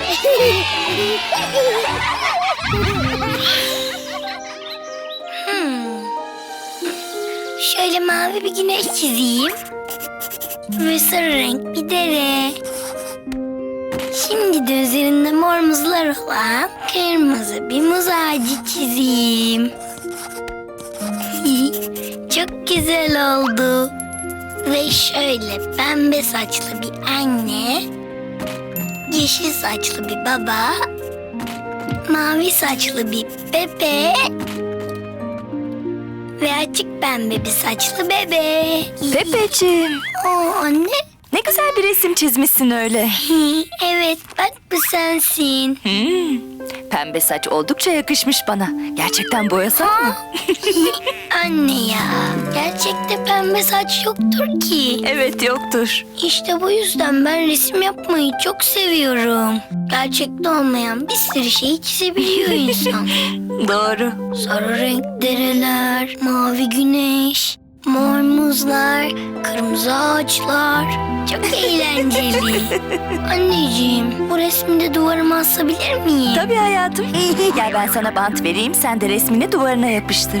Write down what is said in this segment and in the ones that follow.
Şöyle mavi bir güneş çizeyim. Ve sarı renk bir dere. Şimdi de üzerinde mor muzlar olan kırmızı bir muz ağacı çizeyim. Çok güzel oldu. Ve şöyle pembe saçlı bir anne, yeşil saçlı bir baba, mavi saçlı bir bebe ve açık pembe bir saçlı bebe. Pepeciğim, Anne. ne güzel bir resim çizmişsin öyle. Evet, bak bu sensin. Pembe saç oldukça yakışmış bana. Gerçekten boyasak mı? Anne ya, gerçekte pembe saç yoktur ki. Evet, yoktur. İşte bu yüzden ben resim yapmayı çok seviyorum. Gerçekte olmayan bir sürü şey çizebiliyor insan. Doğru. Sarı renk dereler, mavi güneş, mor muzlar, kırmızı ağaçlar. Çok eğlenceli. Anneciğim, bu resmi de duvarıma asabilir miyim? Tabii hayatım. Gel ben sana bant vereyim, sen de resmini duvarına yapıştır.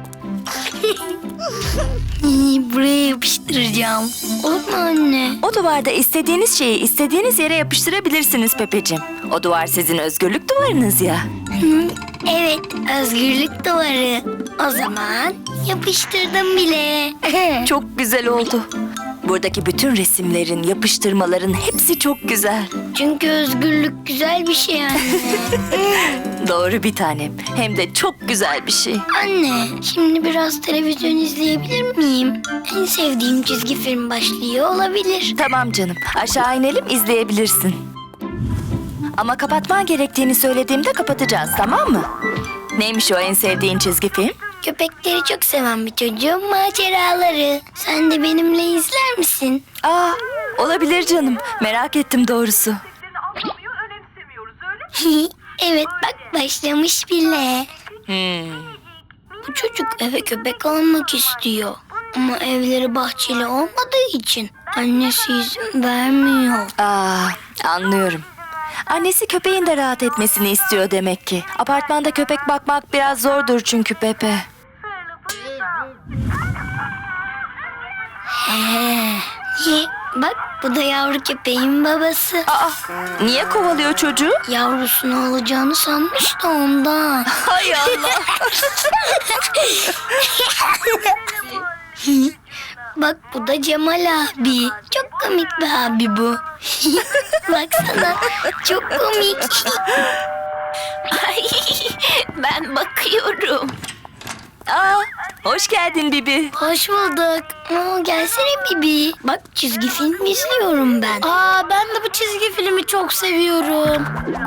Buraya yapıştıracağım. Olur mu anne? O duvarda istediğiniz şeyi istediğiniz yere yapıştırabilirsiniz Pepeciğim. O duvar sizin özgürlük duvarınız ya. Evet, özgürlük duvarı. O zaman yapıştırdım bile. Çok güzel oldu. Buradaki bütün resimlerin, yapıştırmaların hepsi çok güzel. Çünkü özgürlük güzel bir şey anne. Doğru bir tanem. Hem de çok güzel bir şey. Anne, şimdi biraz televizyon izleyebilir miyim? En sevdiğim çizgi film başlıyor olabilir. Tamam canım. Aşağı inelim, izleyebilirsin. Ama kapatman gerektiğini söylediğimde kapatacağız, tamam mı? Neymiş o en sevdiğin çizgi film? Köpekleri çok seven bir çocuğun maceraları. Sen de benimle izler misin? Aa, olabilir canım. Merak ettim doğrusu. Anlamıyor, önemsemiyoruz öyle mi? Evet, bak başlamış bile. Bu çocuk eve köpek almak istiyor. Ama evleri bahçeli olmadığı için annesi izin vermiyor. Aa, anlıyorum. Annesi köpeğin de rahat etmesini istiyor demek ki. Apartmanda köpek bakmak biraz zordur çünkü Pepe. Niye? Bak bu da yavru köpeğin babası. Aa, niye kovalıyor çocuğu? Yavrusunu alacağını sanmış da ondan. Hay Allah. Bak bu da Cemal abi. Çok komik bir abi bu. Baksana çok komik. Ay, ben bakıyorum. Aa, hoş geldin Bibi. Hoş bulduk. Gelsene Bibi. Bak çizgi film izliyorum ben. Ben de bu çizgi filmi çok seviyorum.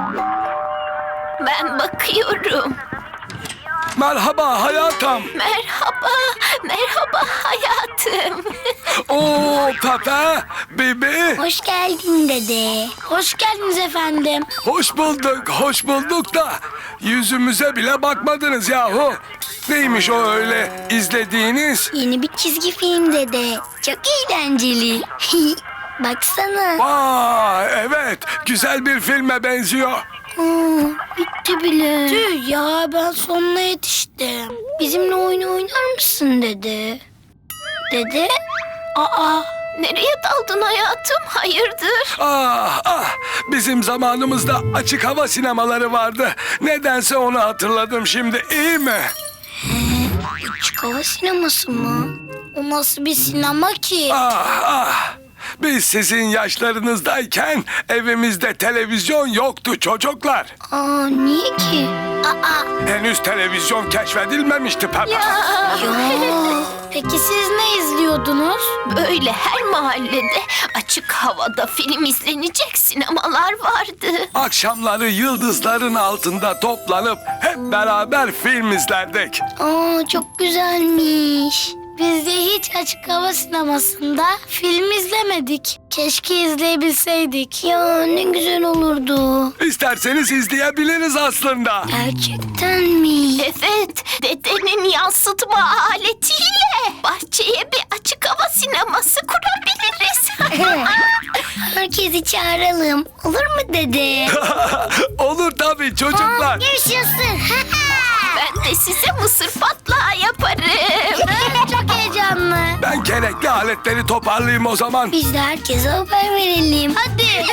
Ben bakıyorum. Merhaba hayatım. Merhaba, merhaba hayatım. Oo Pepe, Bibi. Hoş geldin dede. Hoş geldiniz efendim. Hoş bulduk da yüzümüze bile bakmadınız yahu. Neymiş o öyle izlediğiniz? Yeni bir çizgi film dede. Çok eğlenceli. Baksana. Evet, güzel bir filme benziyor. Bitti bile. Tüh ya, ben sonuna yetiştim. Bizimle oyun oynar mısın dede? Dede? Nereye daldın hayatım? Hayırdır? Bizim zamanımızda açık hava sinemaları vardı. Nedense onu hatırladım şimdi, iyi mi? Açık hava sineması mı? O nasıl bir sinema ki? Biz sizin yaşlarınızdayken evimizde televizyon yoktu çocuklar. Niye ki? Henüz televizyon keşfedilmemişti Pepe. Ya. Peki siz ne izliyordunuz? Böyle her mahallede açık havada film izlenecek sinemalar vardı. Akşamları yıldızların altında toplanıp hep beraber film izlerdik. Çok güzelmiş. Biz de hiç açık hava sinemasında film izlemedik. Keşke izleyebilseydik. Ya ne güzel olurdu. İsterseniz izleyebiliriz aslında. Gerçekten mi? Evet, dedenin yansıtma aletiyle bahçeye bir açık hava sineması kurabiliriz. Herkesi çağıralım. Olur mu dede? Olur tabii çocuklar. Yaşasın. Ben de size mısır patlağı yaparım. Çok heyecanlı. Ben gerekli aletleri toparlayayım o zaman. Biz de herkese haber verelim. Hadi.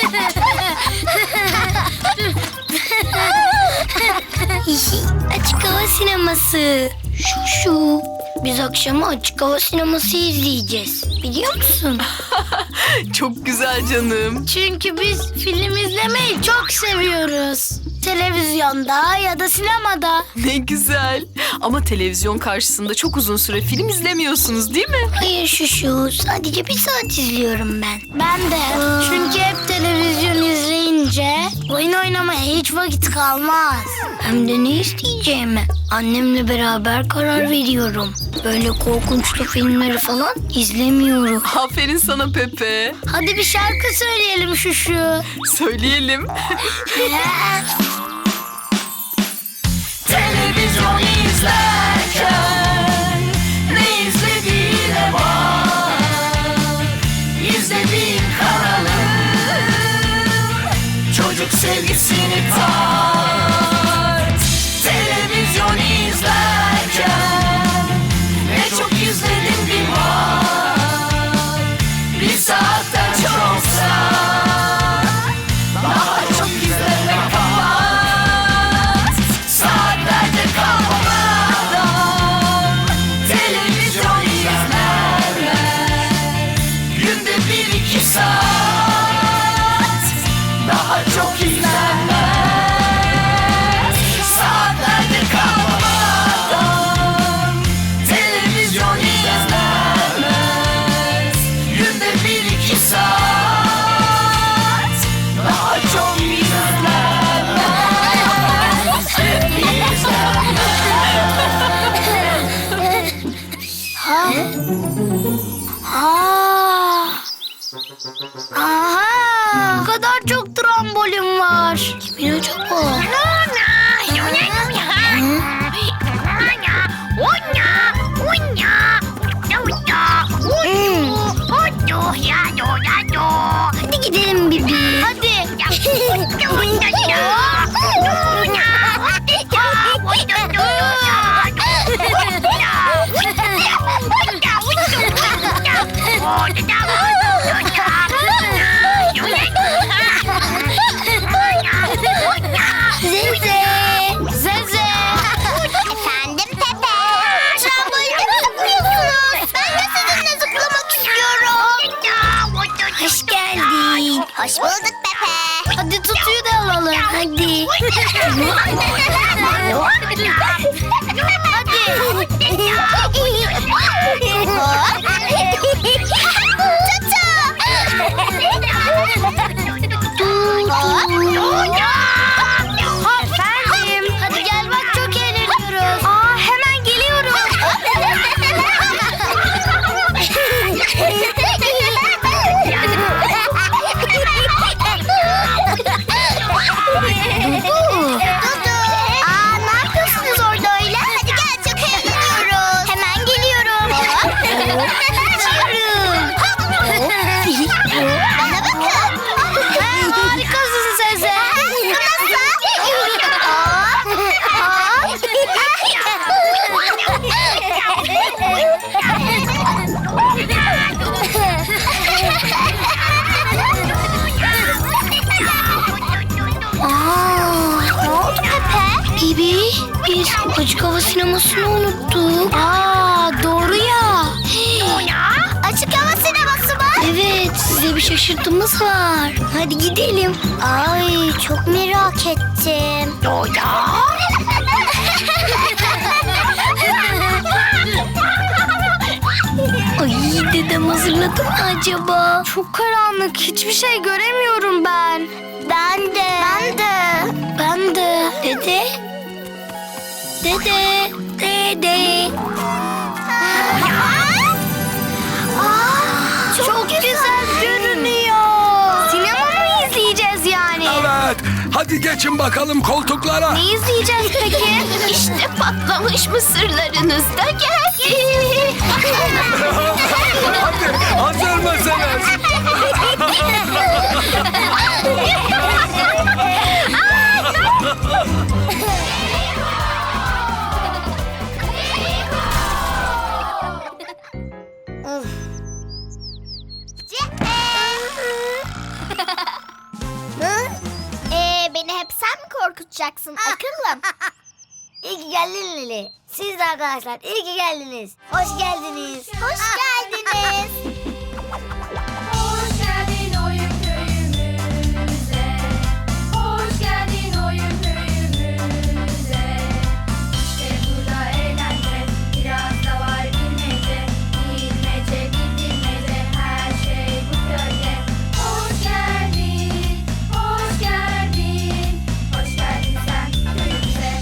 Açık hava sineması. Şu. Biz akşama açık hava sineması izleyeceğiz. Biliyor musun? Çok güzel canım. Çünkü biz film izlemeyi çok seviyoruz. Televizyonda ya da sinemada. Ne güzel. Ama televizyon karşısında çok uzun süre film izlemiyorsunuz değil mi? Hayır şu. Sadece 1 saat izliyorum ben. Ben de. Çünkü hep televizyon izleyince oyun oynamaya hiç vakit kalmaz. Hem de ne isteyeceğimi annemle beraber karar veriyorum. Böyle korkunçlu filmleri falan izlemiyorum. Aferin sana Pepe. Hadi bir şarkı söyleyelim şu. Söyleyelim. Televizyon izlerken ne izlediğine bak. İzlediğin kanalı çocuk sevgisini tart. Televizyon izlerken ne çok izledin bir bak. 1 saatten çoksa daha çok izleme kapat. Saatlerce kalmadan televizyon izlerler. Günde 1-2 saat daha çok izlenmez. Saatlerce kalmadan televizyon izlenmez. Günde 1-2 saat daha çok Aha! Bu kadar çok trambolin var. Kimin acaba? Hadi gidelim Bibi. Hadi. Zeze. Zeze. Efendim Pepe. Tramboline mi zıplıyorsunuz? Ben de sizinle zıplamak istiyorum. Hoş geldin. Hoş bulduk Pepe. Hadi tutuyu da alalım. Hadi. Efendim. Hadi gel bak çok eğleniyoruz. Aa hemen geliyorum. Dudu. Aa ne yapıyorsunuz orada öyle? Hadi gel çok eğleniyoruz. Hemen geliyorum. Bana bakın. Harikasın Zeze. Ne oldu Pepe? Bibi, biz açık hava sinemasını unuttuk. Doğru ya. Açık hava sineması mı? Evet, size bir şaşırtımız var. Hadi gidelim. Ay, çok merak ettim. Ay, dedem hazırladı mı acaba? Çok karanlık, hiçbir şey göremiyorum ben. Ben de. Ben de. Dede. Dede. Hadi geçin bakalım koltuklara. Ne izleyeceğiz peki? İşte patlamış mısırlarınız da geldi. Hadi hazır mısınız? Beni hep sen mi korkutacaksın akıllım? İyi ki geldin Lili. Siz de arkadaşlar iyi ki geldiniz. Hoş geldiniz. Hoş geldiniz. Hoş geldin oyun köyümüze. Hoş geldin oyun köyümüze. İşte burada eğlence, biraz da var bilmece. Bilmece, bilmece, her şey bu köyde. Hoş geldin, hoş geldin. Hoş geldin sen köyümüze.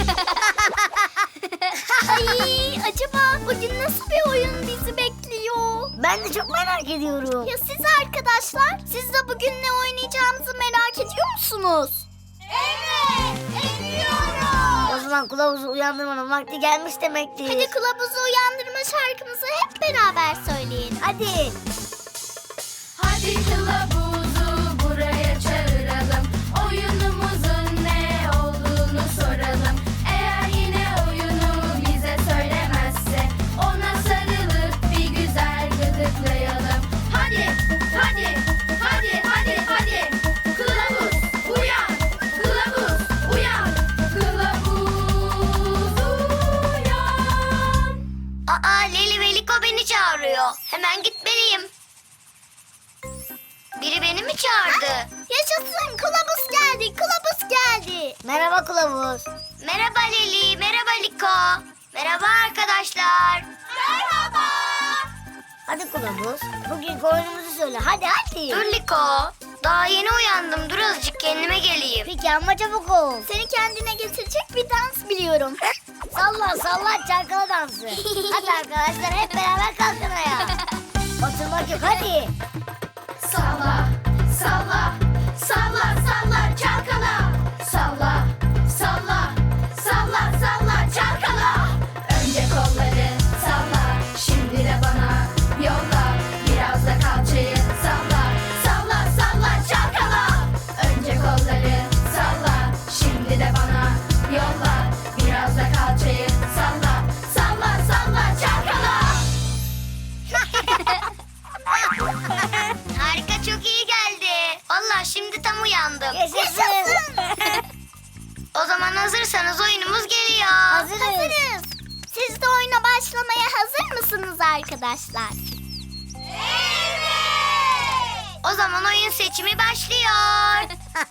Ay acaba bugün nasıl bir oyun bizi bekliyor? Ben de çok merak ediyorum. Ya siz arkadaşlar? Siz de bugün ne oynayacağımızı merak ediyor musunuz? Evet, ediyorum. O zaman kılavuzu uyandırmanın vakti gelmiş demektir. Hadi kılavuzu uyandırma şarkımızı hep beraber söyleyin. Hadi. Hadi kılavuzu buraya çağıralım. Oyunumuzun ne olduğunu soralım. Eğer yine oyunu bize söylemezse ona sarılıp bir güzel gıdıklayalım. Hadi, hadi, hadi, hadi, hadi. Kılavuz uyan, kılavuz uyan, kılavuz uyan. Aa Leli ve Liko beni çağırıyor. Hemen gitmeliyim. Biri beni mi çağırdı? Yaşasın kılavuz geldi, kılavuz geldi. Merhaba kılavuz. Merhaba Leli, merhaba Liko. Merhaba arkadaşlar. Merhaba. Hadi kılavuz, bugün oyunumuzu söyle. Hadi. Dur Liko. Daha yeni uyandım. Dur azıcık kendime geleyim. Peki ama çabuk ol. Seni kendine getirecek bir dans biliyorum. Salla çalkala dansı. Hadi arkadaşlar hep beraber kalkın ayağa. Oturmak yok hadi. Salla, salla, salla, salla, çalkala. Salla, salla, salla, salla, çalkala. Önce kolları salla, şimdi de bana yolla. Biraz da kalçayı salla, salla, salla, çalkala. Önce kolları salla, şimdi de bana yolla. Biraz da kalçayı salla, salla, salla, çalkala. Harika çok iyi geldi. Vallahi şimdi tam uyandım. Yaşasın. O zaman hazırsanız oyunumuz geliyor. Hazırız. Siz de oyuna başlamaya hazır mısınız arkadaşlar? Evet. O zaman oyun seçimi başlıyor.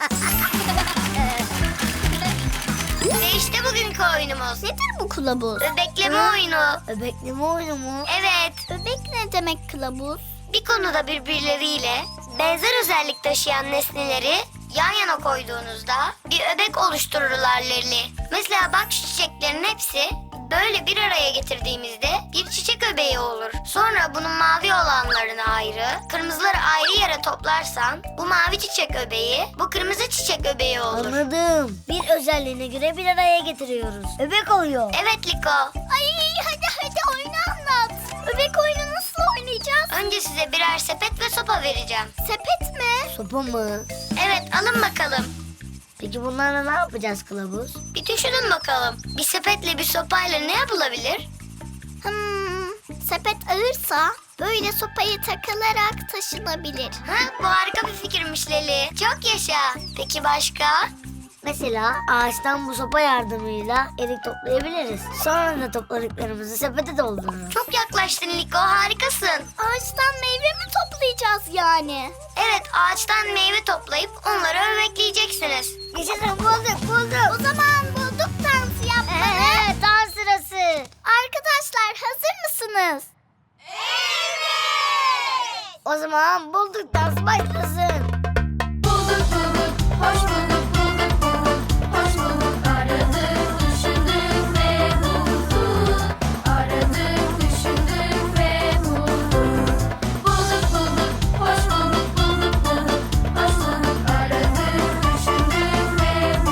Ve işte bugünkü oyunumuz. Nedir bu kılavuz? Öbekleme oyunu. Öbekleme oyunu mu? Evet. Öbek ne demek kılavuz? Bir konuda birbirleriyle benzer özellik taşıyan nesneleri yan yana koyduğunuzda bir öbek oluştururlar Leli. Mesela bak şu çiçeklerin hepsi böyle bir araya getirdiğimizde bir çiçek öbeği olur. Sonra bunun mavi olanlarını ayrı, kırmızıları ayrı yere toplarsan bu mavi çiçek öbeği, bu kırmızı çiçek öbeği olur. Anladım. Bir özelliğine göre bir araya getiriyoruz. Öbek oluyor. Evet Liko. Ay hadi oyunu anlat. Öbek oyunu nasıl oynayacağız? Önce size birer sepet ve sopa vereceğim. Sepet mi? Sopa mı? Evet alın bakalım. Peki bunlarla ne yapacağız kılavuz? Bir düşünün bakalım. Bir sepetle bir sopayla ne yapılabilir? Sepet ağırsa böyle sopayı takılarak taşınabilir. Ha, bu harika bir fikirmiş Leli. Çok yaşa. Peki başka? Mesela ağaçtan bu sopa yardımıyla erik toplayabiliriz. Sonra da topladıklarımızı sepete doldururuz. Çok yaklaştın Liko, harikasın. Ağaçtan meyve mi toplayacağız yani? Evet, ağaçtan meyve toplayıp onları öbekleyeceksiniz. Yaşasın bulduk. O zaman bulduk dansı yapmayı. Dans sırası. Arkadaşlar hazır mısınız? Evet. O zaman bulduk dans başlasın. Bulduk, hoş bulduk, hoş bulduk. Aradık, düşündük ve bulduk. Aradık, düşündük ve bulduk. Bulduk, hoş bulduk, hoş bulduk. Aradık, düşündük ve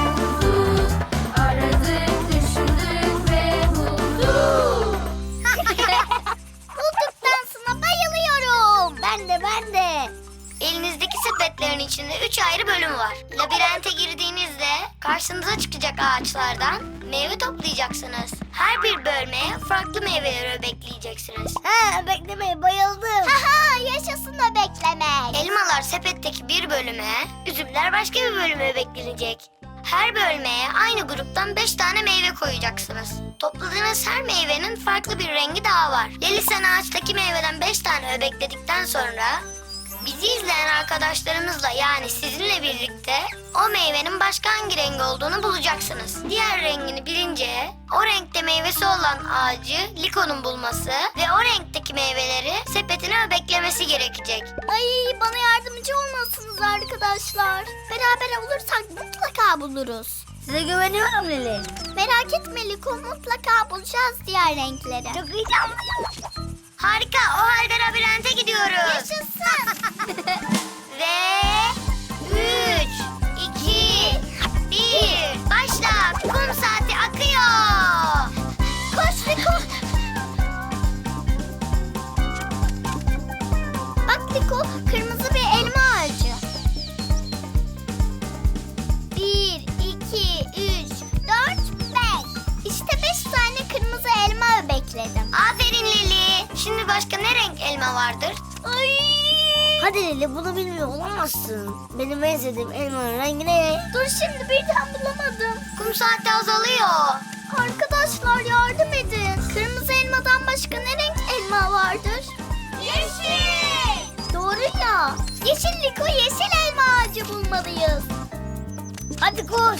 karşınıza çıkacak ağaçlardan meyve toplayacaksınız. Her bir bölmeye farklı meyveleri bekleyeceksiniz. Ha, beklemeye bayıldım. Haha, yaşasın da beklemek. Elmalar sepetteki bir bölüme, üzümler başka bir bölüme beklenecek. Her bölmeye aynı gruptan 5 tane meyve koyacaksınız. Topladığınız her meyvenin farklı bir rengi daha var. Leli sen ağaçtaki meyveden 5 tane öbekledikten sonra bizi izleyen arkadaşlarımızla yani sizinle birlikte o meyvenin başka hangi rengi olduğunu bulacaksınız. Diğer rengini bilince o renkte meyvesi olan ağacı Liko'nun bulması ve o renkteki meyveleri sepetine öbeklemesi gerekecek. Ay, bana yardımcı olmalısınız arkadaşlar. Beraber olursak mutlaka buluruz. Size güveniyorum Leli. Merak etme Liko, mutlaka bulacağız diğer renkleri. Çok heyecanlıyım. Harika, o halde labirente gidiyoruz. Yaşasın. Ve 3, 2, 1, başla. Kum saati akıyor. Koş Liko. Bak Liko, kırmızı bir elma ağacı. 1, 2, 3, 4, 5. İşte 5 tane kırmızı elma bekledim. Aferin Lili. Şimdi başka ne renk elma vardır? Ay! Hadi Leli, bunu bilmiyor olamazsın. Benim en sevdiğim elmanın rengi ne? Dur, şimdi birden bulamadım. Kum saati azalıyor. Arkadaşlar yardım edin. Kırmızı elmadan başka ne renk elma vardır? Yeşil. Doğru ya. Yeşil Liko, yeşil elma ağacı bulmalıyız. Hadi koş.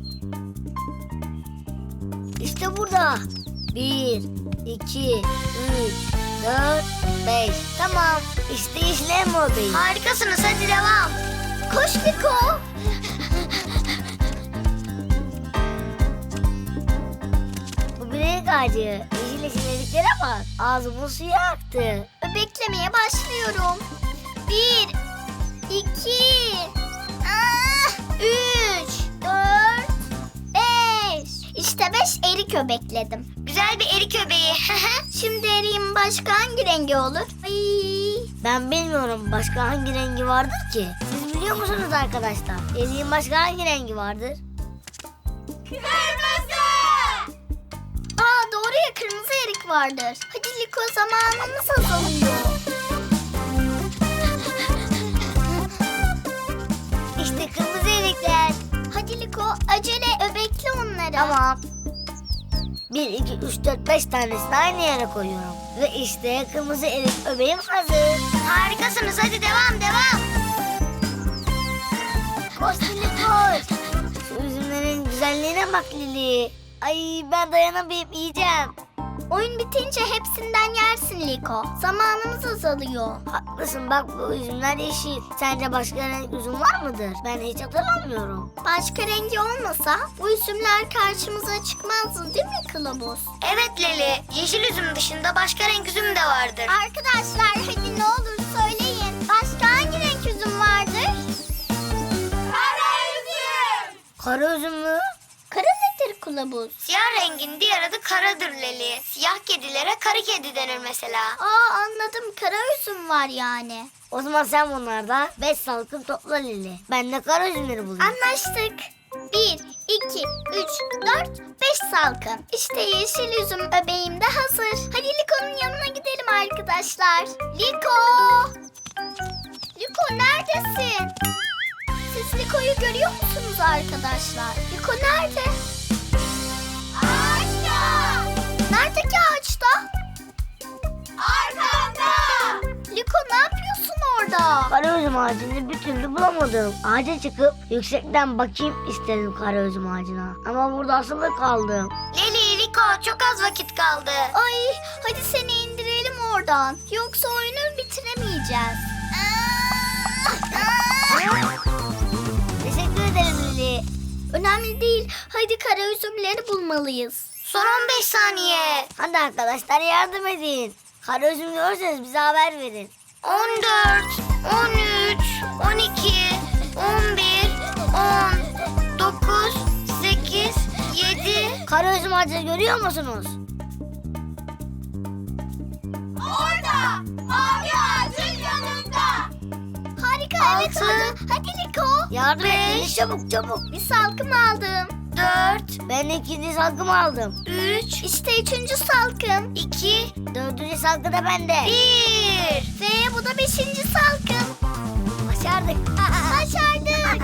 İşte burada. 1, 2, 3, 4, 5. Tamam. İşte yeşil elma öbeği. Harikasınız, hadi devam. Koş Liko. Bu bir renk ağacı. Yeşil yeşil eriklere bak. Ağzımın suyu aktı. Beklemeye başlıyorum. 1, 2, 3, 4, 5. İşte 5 erik öbekledim. Güzel bir erik öbeği. Şimdi eriğin başka hangi rengi olur? Ay. Ben bilmiyorum başka hangi rengi vardır ki? Siz biliyor musunuz arkadaşlar? Eriğin başka hangi rengi vardır? Kırmızı. Aa, doğru ya, kırmızı erik vardır. Hadi Liko, zamanımız azalıyor. İşte kırmızı erikler. Hadi Liko, acele öbekle onları. Tamam. 1, 2, 3, 4, 5 tanesini aynı yere koyuyorum. Ve işte kırmızı erik öbeğim hazır. Harikasınız, hadi devam. Koş Lili koş. Şu üzümlerin güzelliğine bak Lili. Ay, ben dayanamayıp yiyeceğim. Oyun bitince hepsinden yersin Liko. Zamanımız azalıyor. Haklısın, bak bu üzümler yeşil. Sence başka renk üzüm var mıdır? Ben hiç hatırlamıyorum. Başka rengi olmasa bu üzümler karşımıza çıkmazdı değil mi Kılavuz? Evet Leli, yeşil üzüm dışında başka renk üzüm de vardır. Arkadaşlar hadi ne olur söyleyin. Başka hangi renk üzüm vardır? Kara üzüm. Kara üzüm mü? Kara nedir Kılavuz? Siyah rengin diğer adı karadır Leli. Siyah kedilere karı kedi denir mesela. Aa, anladım, kara üzüm var yani. O zaman sen bunlardan 5 salkım topla Lili. Ben de kara üzümleri bulayım. Anlaştık. 1, 2, 3, 4, 5 salkım. İşte yeşil üzüm öbeğim de hazır. Hadi Liko'nun yanına gidelim arkadaşlar. Liko! Liko neredesin? Siz Liko'yu görüyor musunuz arkadaşlar? Liko nerede? Ağaçta! Neredeki ağaçta? Arkamda! Liko ne yapıyorsun orada? Kara üzüm ağacını bir türlü bulamadım. Ağaca çıkıp yüksekten bakayım istedim kara üzüm ağacına. Ama burada asılı kaldım. Leli, Liko çok az vakit kaldı. Ay, hadi seni indirelim oradan. Yoksa oyunu bitiremeyeceğiz. Teşekkür ederim Lili. Önemli değil. Hadi kara üzümleri bulmalıyız. Son 15 saniye. Hadi arkadaşlar yardım edin. Kara üzüm görürseniz bize haber verin. 14, 13, 12, 11, 10, 9, 8, 7. Kara üzüm ağacını görüyor musunuz? Orada! Mavi ağacın yanında! Harika Evet 6. oldu. Hadi Liko. Yardım et. Çabuk çabuk. Bir salkım aldım. 4. Ben ikinci salkımı aldım. 3. İşte 3. salkım. 2. Dördüncü salkı da bende. 1. Ve bu da 5. salkım. Başardık. Başardık.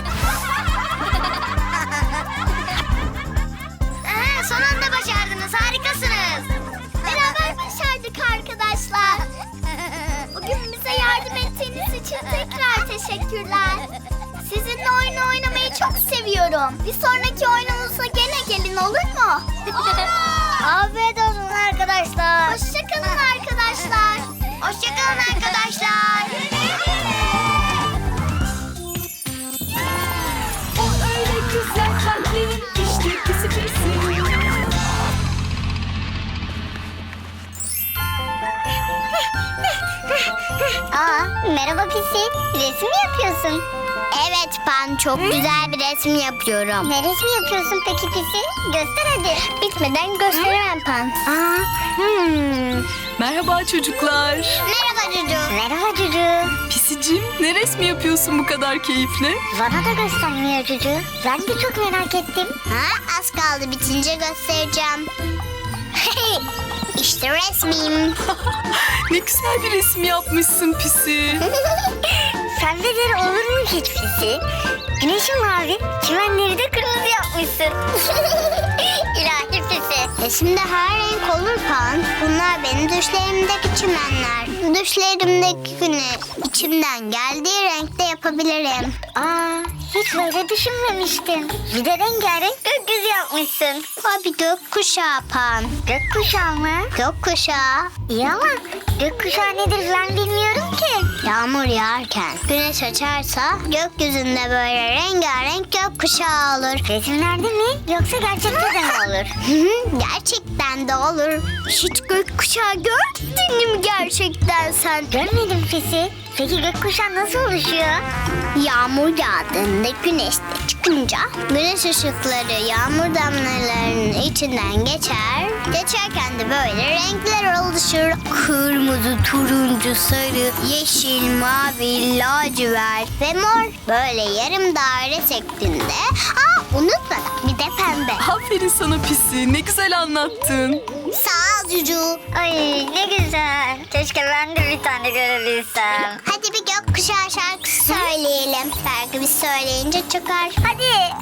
Son anda başardınız. Harikasınız. Beraber başardık arkadaşlar. Bugün bize yardım ettiğiniz için tekrar teşekkürler. Sizinle oyun oynamayı çok seviyorum. Bir sonraki oyunumuza gene gelin olur mu? Afiyet olsun arkadaşlar. Hoşçakalın arkadaşlar. Hoşçakalın arkadaşlar. O öyle güzel kalpli işte pisi pisi. Merhaba Pisi. Resim mi yapıyorsun? Evet Pan, çok güzel bir resim yapıyorum. Ne resmi yapıyorsun peki Pisi? Göster hadi. Bitmeden gösteremem Pan. Merhaba çocuklar. Merhaba Cucu. Merhaba Cucu. Pisicim, ne resmi yapıyorsun bu kadar keyifle? Bana da göstermiyor Cucu. Ben de çok merak ettim. Ha, az kaldı, bitince göstereceğim. İşte resmim. Ne güzel bir resim yapmışsın Pisi. Sende olur mu hiç Pisi? Güneşin mavi, çimenleri de kırmızı yapmışsın. İlahi Pisi. Resimde her renk olur Pan. Bunlar benim düşlerimdeki çimenler. Düşlerimdeki güneş. İçimden geldiği renkte yapabilirim. Hiç böyle düşünmemiştim. Bir de rengarenk gökyüzü yapmışsın. O bir gökkuşağı Pan. Gökkuşağı mı? Gökkuşağı. İyi ama gökkuşağı nedir ben bilmiyorum ki. Yağmur yağarken güneş açarsa gökyüzünde böyle rengarenk gökkuşağı olur. Resimlerde mi yoksa gerçekten de mi olur? Gerçekten de olur. Hiç gökkuşağı gördün mü gerçekten sen? Görmedim Pisi. Peki gökkuşağı nasıl oluşuyor? Yağmur yağdığında güneş de çıkınca güneş ışıkları yağmur damlalarının içinden geçer. Geçerken de böyle renkler oluşur. Kırmızı, turuncu, sarı, yeşil, mavi, lacivert ve mor. Böyle yarım daire şeklinde. Unutma bir de pembe. Aferin sana Pisi, ne güzel anlattın. Sağ ol Cucu. Ay ne güzel. Keşke ben de bir tane görebilsem. Hadi bir gökkuşağı şarkısı söyleyelim. Belki biz söyleyince çıkar. Hadi.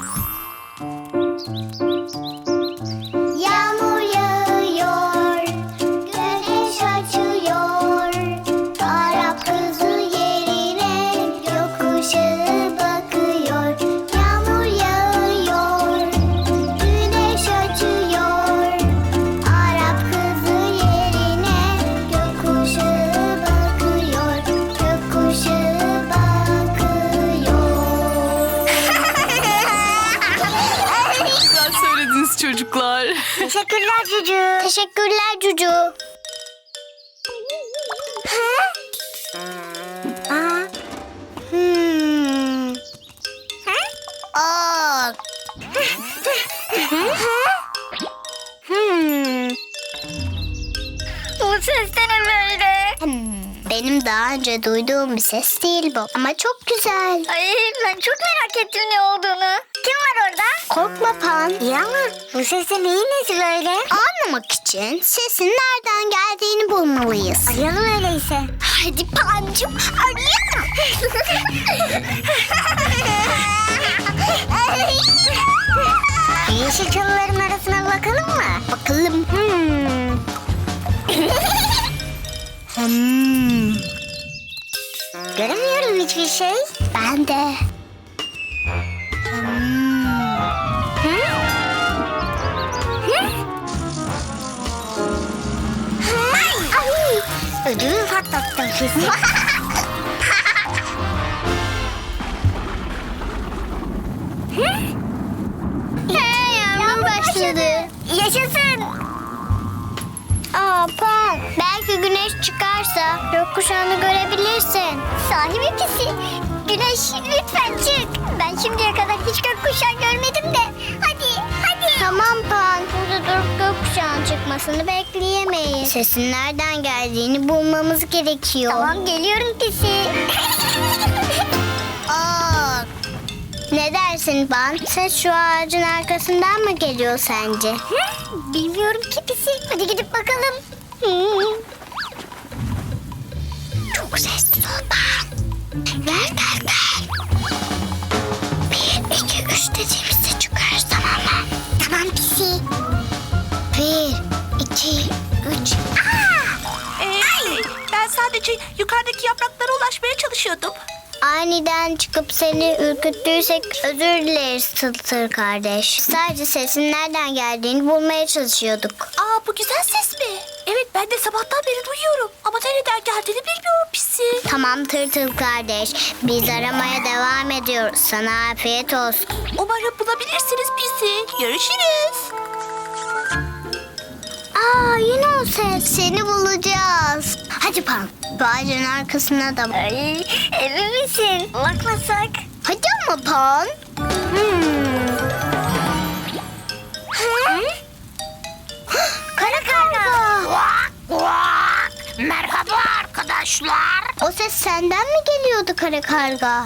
Yağmur yağıyor, güneş açıyor. Arap kızı yerine gökkuşağı bakıyor. Yağmur yağıyor, güneş açıyor. Arap kızı yerine gökkuşağı bakıyor. Gökkuşağı bakıyor. Güzel söylediniz çocuklar. Teşekkürler Cucu. Teşekkürler Cucu. Bu ses de ne böyle? Benim daha önce duyduğum bir ses değil bu. Ama çok güzel. Ay ben çok merak ettim ne olduğunu. Kim var orada? Korkma Pan. İyi ama bu sesin neyin nesi böyle? Anlamak için sesin nereden geldiğini bulmalıyız. Arayalım öyleyse. Hadi Pancım arayalım. Yeşil çalıların arasına bakalım mı? Bakalım. Göremiyorum hiçbir şey. Ben de. Ödümü patlattım kesin. Yağmur başladı. Yaşasın. Pan. Belki güneş çıkarsa gökkuşağını görebilirsin. Sahi mi Pisi? Güneş lütfen çık. Ben şimdiye kadar hiç gökkuşağı görmedim de. Hadi. Tamam Pan. Burada durup gökkuşağının çıkmasını bekleyemeyiz. Sesin nereden geldiğini bulmamız gerekiyor. Tamam geliyorum Pisi. Ne dersin Ban? Ses şu ağacın arkasından mı geliyor sence? Bilmiyorum ki Pisi. Hadi gidip bakalım. Çok sessiz ol Ban. Gel. 1, 2, 3 dediğimizde çıkarız, tamam mı? Tamam Pisi. 1, 2, 3. Ben sadece yukarıdaki yapraklara ulaşmaya çalışıyordum. Aniden çıkıp seni ürküttüysek özür dileriz Tıltır kardeş. Sadece sesin nereden geldiğini bulmaya çalışıyorduk. Aa, bu güzel ses mi? Evet, ben de sabahtan beri duyuyorum. Ama nereden geldiğini bilmiyorum Pisi. Tamam Tırtıl kardeş. Biz aramaya devam ediyoruz. Sana afiyet olsun. Umarım bulabilirsiniz Pisi. Görüşürüz. Aa, yine o ses. Seni bulacağız. Hadi Pan. Bu ağacın arkasına da. Ay, emin misin? Bakmasak. Hadi ama Pan. Kara karga. Merhaba arkadaşlar. O ses senden mi geliyordu kara karga?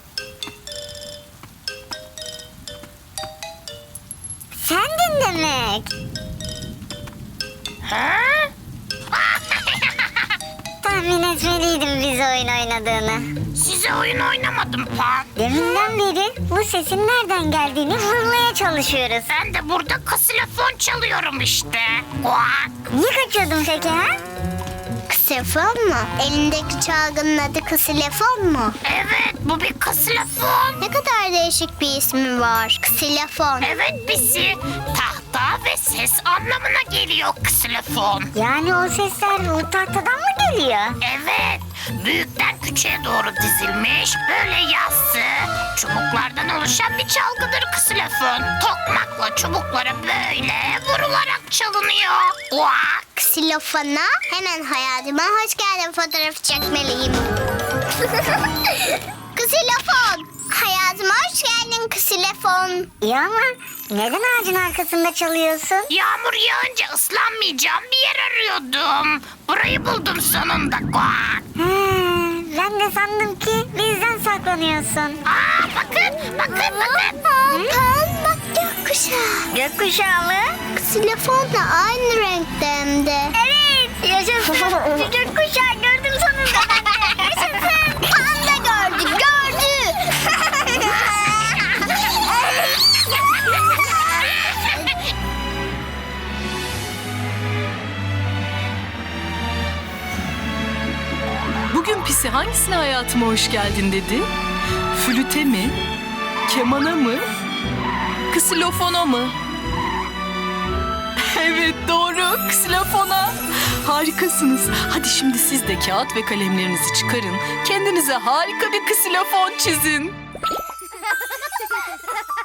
Sendin demek. Tahmin etmeliydim biz oyun oynadığını. Size oyun oynamadım Pan. Deminden beri bu sesin nereden geldiğini bulmaya çalışıyoruz. Ben de burada ksilofon çalıyorum işte. Niye kaçıyordun peki ha? Ksilofon mu? Elindeki çalgının adı ksilofon mu? Evet, bu bir ksilofon. Ne kadar değişik bir ismi var. Ksilofon. Evet Pisi. Tahta ve ses anlamına geliyor ksilofon. Yani o sesler bu tahtadan mı geliyor? Evet, büyükten küçüğe doğru dizilmiş, böyle yassı, çubuklardan oluşan bir çalgıdır ksilofon. Tokmakla çubuklara böyle vurularak çalınıyor. Ksilofona hemen hayatıma hoş geldin fotoğrafı çekmeliyim. Ksilofon. Hayatıma hoş geldin ksilofon. İyi ama neden ağacın arkasında çalıyorsun? Yağmur yağınca ıslanmayacağım bir yer arıyordum. Burayı buldum sonunda. Ben de sandım ki bizden saklanıyorsun. Aa, bakın. Bak gökkuşağı. Gökkuşağı mı? Ksilofonla aynı renkte hem de. Evet. Yaşasın. Bir gökkuşağı gördüm sonunda ben de. Yaşasın. Pan da gördü. Bugün Pisi hangisine hayatıma hoş geldin dedi? Flüte mi? Kemana mı? Ksilofona mı? Evet, doğru, ksilofona. Harikasınız. Hadi şimdi siz de kağıt ve kalemlerinizi çıkarın. Kendinize harika bir ksilofon çizin.